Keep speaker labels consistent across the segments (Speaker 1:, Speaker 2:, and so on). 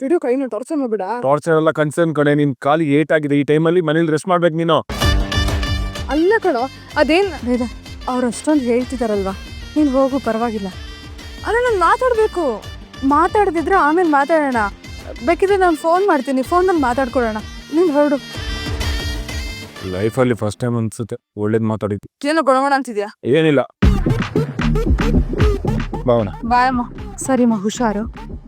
Speaker 1: Video ಕೈನ torture ಮಾಡ್ಬೇಡ.
Speaker 2: Torture ಎಲ್ಲ ಕನ್ಸರ್ನ್ ಕಡೆ. ನಿನ್ ಕಾಲು ಏಟ್ ಆಗಿದೆ, ಈ ಟೈಮಲ್ಲಿ ಮನೇಲಿ ರೆಸ್ಟ್ ಮಾಡ್ಬೇಕು ನೀನು.
Speaker 1: ಅಲ್ಲ ಕಣೋ, ಅದೇನ್ ಅವ್ರು ಅಷ್ಟೊಂದು ಹೇಳ್ತಿದಾರಲ್ವಾ, ನೀನು ಹೋಗು ಪರವಾಗಿಲ್ಲ. ಅಲ್ಲ ನಾನು ಮಾತಾಡಬೇಕು. ಮಾತಾಡದಿದ್ರೆ ಆಮೇಲೆ ಮಾತಾಡೋಣ. ಬೇಕಿದ್ರೆ ನಾನು ಫೋನ್ ಮಾಡ್ತೀನಿ, ಫೋನಲ್ಲಿ ಮಾತಾಡ್ಕೊಳ್ಳೋಣ. ನೀನು ಹೊರಡು.
Speaker 2: ಲೈಫಲ್ಲಿ ಫಸ್ಟ್ ಟೈಮ್ ಅನ್ಸುತ್ತೆ ಒಳ್ಳೇದು ಮಾತಾಡಿದ್ದು.
Speaker 1: ಏನೋ ಗೊಣಗೋಣ ಅಂತಿದ್ಯಾ?
Speaker 2: ಏನಿಲ್ಲ, ಭಾವನ.
Speaker 1: ಬಾಯಮ್ಮ. ಸರಿಮ್ಮ, ಹುಷಾರು.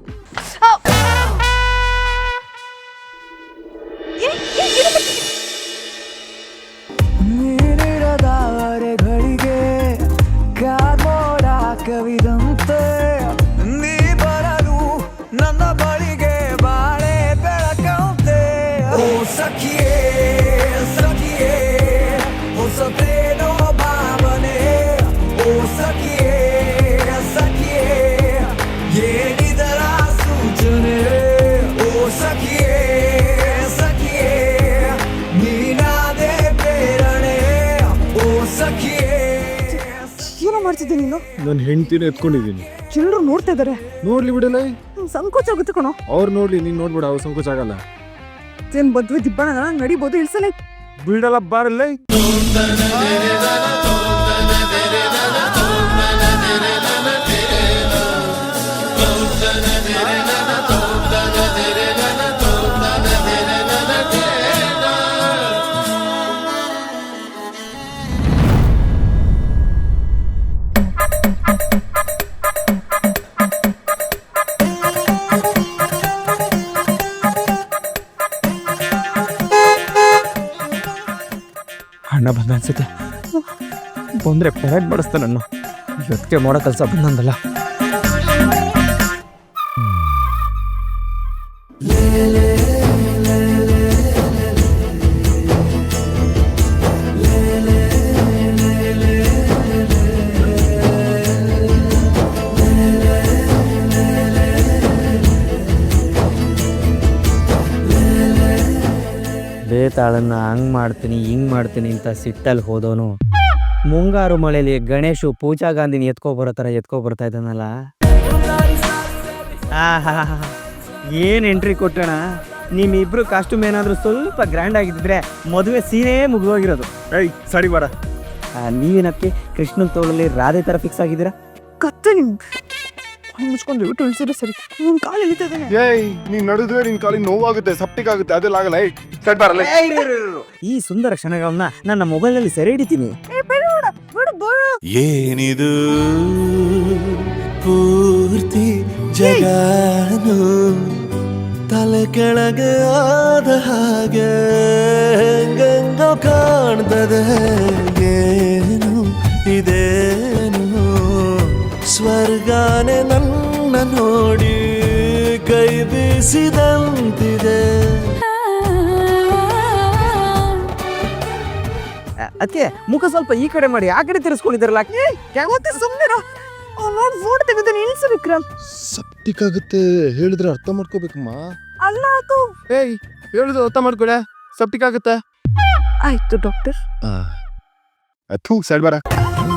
Speaker 3: ಘಳಿಗೆ ಕಾಮೋಡ ಕವಿದಂತೆ ನೀ ಬರಲು ನನ್ನ ಬಳಿಗೆ ಬಾಳೆ ಬೆಳಕಂತೆ. ಓ ಸಖಿಯೇ ಸಖಿಯೇ ಹೊಸತೇನೋ ಭಾವನೆ. ಓ ಸಖಿಯೇ ಸಖಿಯೇ ಏನಿದರ ಸೂಚನೆ. ಓ ಸಖಿಯೇ ಸಖಿಯೇ ನೀನಾದೆ ಪ್ರೇರಣೆ. ಓ ಸಖಿಯೇ.
Speaker 1: ಏನೋ ಮಾಡ್ತಿದ್ದೆ ನೀನು?
Speaker 2: ನನ್ನ ಹೆಂಡ್ತಿನ ಎತ್ಕೊಂಡಿದ್ದೀನಿ.
Speaker 1: ಎಲ್ಲರೂ ನೋಡ್ತಾ ಇದಾರೆ.
Speaker 2: ನೋಡ್ಲಿ ಬಿಡಲ್ಲ,
Speaker 1: ಸಂಕೋಚ ಆಗುತ್ತೆ ಕಣೋ.
Speaker 2: ಅವ್ರು ನೋಡ್ಲಿ, ನೀನ್ ನೋಡ್ಬಿಡ, ಅವ್ರು ಸಂಕೋಚ ಆಗಲ್ಲ.
Speaker 1: ಏನ್ ಬದ್ವೆ ದಿಬ್ಬಣ ನಡಿಬೋದು, ಇಳ್ಸಲೇ
Speaker 2: ಬಿಡಲ್ಲ ಬಾರಲ್ಲ. ಅಣ್ಣ ಬಂದ ಅನ್ಸುತ್ತೆ. ಬಂದ್ರೆ ಪೆರಡ್ ಮಾಡಿಸ್ತಾನ ನನ್ನ. ಇವತ್ತಿಗೆ ಮಾಡೋ ಕೆಲಸ ಬಂದಂದಲ್ಲ.
Speaker 4: ಬೇತಾಳನ್ನ ಹಂಗೆ ಮಾಡ್ತೀನಿ ಹಿಂಗೆ ಮಾಡ್ತೀನಿ ಅಂತ ಸಿಟ್ಟಲ್ಲಿ ಹೋದವನು ಮುಂಗಾರು ಮಳೆಯಲ್ಲಿ ಗಣೇಶು ಪೂಜಾ ಗಾಂಧಿನ ಎತ್ಕೊಬರೋ ಥರ ಎತ್ಕೊಬರ್ತಾ ಇದ್ದಾನಲ್ಲ. ಏನು ಎಂಟ್ರಿ ಕೊಟ್ಟಣ. ನಿಮ್ಮಿಬ್ರು ಕಾಸ್ಟ್ಯೂಮ್ ಏನಾದರೂ ಸ್ವಲ್ಪ ಗ್ರ್ಯಾಂಡ್ ಆಗಿದ್ದರೆ ಮದುವೆ ಸೀನೇ ಮುಗಿದೋಗಿರೋದು.
Speaker 2: ಏಯ್ ಸರಿ ಬಾರ.
Speaker 4: ನೀವೇನಕ್ಕೆ ಕೃಷ್ಣನ ತೋಳಲ್ಲಿ ರಾಧೆ ಥರ ಫಿಕ್ಸ್ ಆಗಿದ್ದೀರಾ?
Speaker 1: ಕತ್ತೆ ನಿಮ್ ಮುಚ್ಕೊಂಡು ಬಿಟ್ಟು ಇಳಿಸಿದ್ರೆ ಸರಿ. ನಿನ್ ಕಾಲು ಎಳಿತಾ ಇದ್ದಾನೆ.
Speaker 2: ಏಯ್ ನೀನ್ ನಡೆದ್ರೆ ನಿನ್ ಕಾಲಿಗೆ ನೋವಾಗುತ್ತೆ, ಸಪ್ಟಿಕ್ ಆಗುತ್ತೆ, ಅದೆಲ್ಲ ಆಗಲ್ಲ. ಸೆಟ್ ಬಾರಲ್ಲ.
Speaker 4: ಈ ಸುಂದರ ಕ್ಷಣಗಳನ್ನ ನನ್ನ ಮೊಬೈಲ್ನಲ್ಲಿ ಸೆರೆ ಹಿಡಿತೀನಿ.
Speaker 5: ಏನಿದು ಪೂರ್ತಿ ಜಗಾನು ತಲೆ ಕೆಳಗೆ ಆದ ಹಾಗೆ ಗಂಗೋ ಕಾಣ್ತದೆ. ಏನು ಇದೇನು ಸ್ವರ್ಗಾನೆ ನನ್ನ ನೋಡಿ ಕೈ ಬೀಸಿದಂತಿದೆ.
Speaker 4: ಅದಕ್ಕೆ ಮುಖ ಸ್ವಲ್ಪ ಈ ಕಡೆ ಮಾಡಿ, ಆ ಕಡೆ ತಿರ್ಸ್ಕೊಂಡಿದ್ದಾರಲ್ಲ.
Speaker 1: ಸುಮ್ಮನೆ ಫೋಟೋ ತೆಗೆದು ನಿಲ್ಸು ವಿಕ್ರಮ್.
Speaker 2: ಸಪ್ಟಿಕ್ ಆಗುತ್ತೆ ಹೇಳಿದ್ರೆ ಅರ್ಥ ಮಾಡ್ಕೋಬೇಕಮ್ಮ.
Speaker 1: ಅಲ್ಲ ಅದು.
Speaker 2: ಏಯ್ ಹೇಳಿದ್ರು ಅರ್ಥ ಮಾಡ್ಕೊಳೆ. ಸಪ್ಟಿಕ್ ಆಗುತ್ತೆ.
Speaker 1: ಆಯ್ತು ಡಾಕ್ಟರ್.
Speaker 2: ಥೂ ಸೈಡ್ ಬಾರ.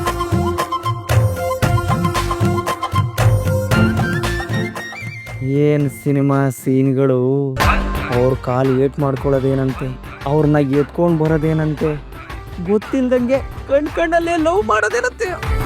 Speaker 4: ಏನು ಸಿನಿಮಾ ಸೀನ್ಗಳು. ಅವ್ರ ಕಾಲು ಏಟ್ ಮಾಡ್ಕೊಳ್ಳೋದೇನಂತೆ, ಅವ್ರನ್ನ ಎತ್ಕೊಂಡು ಬರೋದೇನಂತೆ, ಗೊತ್ತಿಲ್ದಂಗೆ ಕಣ್ಣಲ್ಲೇ ಲವ್ ಮಾಡೋದೇನಂತೆ.